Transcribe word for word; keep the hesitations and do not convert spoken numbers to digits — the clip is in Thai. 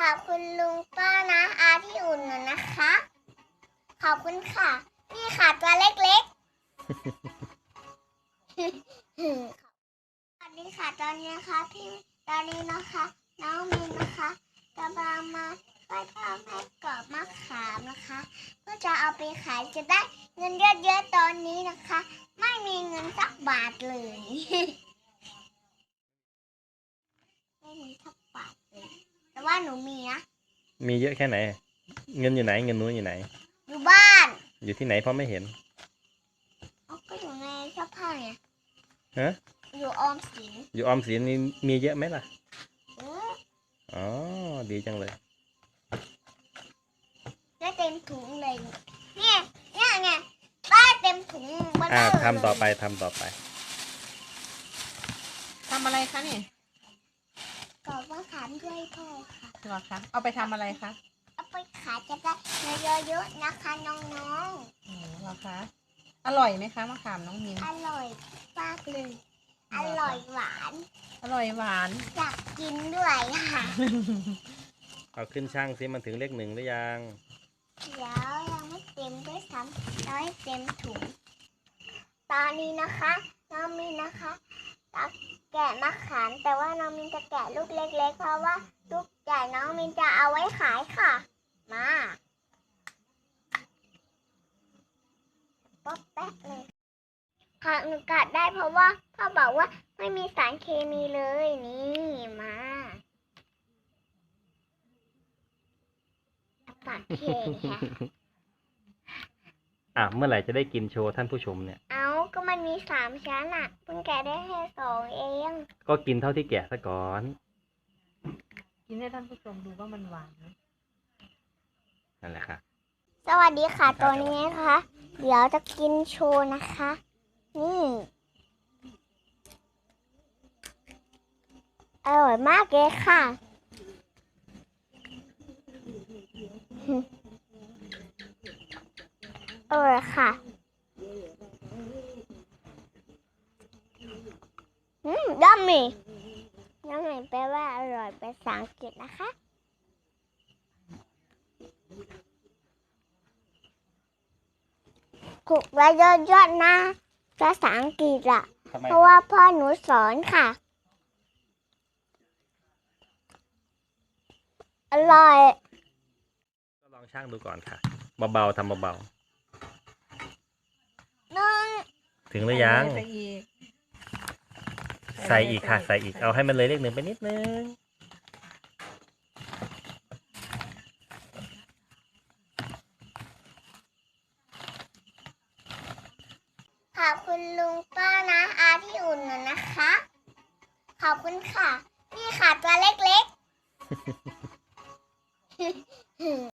ขอบคุณลุงป้านะอาที่อุ่นหนูนะคะขอบคุณค่ะนี่ค่ะตัวเล็กๆ สวัสดีค่ะตอนนี้นะคะพี่ตอนนี้นะคะน้องมินนะคะกำลังมาช่วยพ่อแม่กรอบมะขามนะคะเพื่อจะเอาไปขายจะได้เงินเยอะๆตอนนี้นะคะไม่มีเงินสักบาทเลย ไม่มีสักบาทเลยแต่ว่าหนูมีนะมีเยอะแค่ไหนเงินอยู่ไหนเงินนู้นอยู่ไหนอยู่บ้านอยู่ที่ไหนเพราะไม่เห็นอ๋อก็อยู่ในเสื้อผ้าไงฮะอยู่ออมสินอยู่ออมสินนี่มีเยอะไหมล่ะอืออ๋อดีจังเลยได้เต็มถุงเลยเนี่ยเนี่ยไงได้เต็มถุงมาเลยอ่าทำต่อไปทำต่อไปทำอะไรคะนี่กรอบมะขามด้วยพ่อค่ะเหรอคะเอาไปทำอะไรคะเอาไปขายจะได้เงินเยอะๆนะคะน้องอ๋อเหรอคะอร่อยไหมคะมะขามน้องมินๆอร่อยมากเลยอร่อยหวานอร่อยหวานอยากกินด้วยค่ะเอาขึ้นช่างซิมันถึงเลขหนึ่งหรือยังเดี๋ยวยังไม่เต็มด้วยซ้ำเราให้เต็มถุงตอนนี้นะคะน้องมินนะคะตักแกะมะขามแต่ว่าน้องมินจะแกะลูกเล็กๆเพราะว่าลูกใหญ่น้องมินจะเอาไว้ขายค่ะมาป๊อกแป๊กเลยค่ะหนูกัดได้เพราะว่าพ่อบอกว่าไม่มีสารเคมีเลยนี่มาปากเข่งค่ะอ่ะเมื่อไหร่จะได้กินโชว์ท่านผู้ชมเนี่ยเอาก็มันมีสามชั้นอ่ะเพิ่งแกะได้แค่สองเองก็กินเท่าที่แกะซะก่อนกินให้ท่านผู้ชมดูว่ามันหวานไหมนั่นแหละค่ะสวัสดีค่ะตัวนี้นะคะเดี๋ยวจะกินโชว์นะคะนี่อร่อยมากเลยค่ะอร่อยค่ะอืมยัมมี่ยัมมี่แปลว่าอร่อยภาษาอังกฤษนะคะถูกไว้เยอะๆนะภาษาอังกฤษอะเพราะว่าพ่อหนูสอนค่ะอร่อยก็ลองช่างดูก่อนค่ะเบาๆทำเบาหนึ่งๆถึงหรือยังใส่อีกใส่อีกค่ะใส่อีกเอาให้มันเลยเลขหนึ่งไปนิดนึงขอบคุณลุงป้านะอาที่อุ่นหนูนะคะขอบคุณค่ะนี่ค่ะตัวเล็กๆ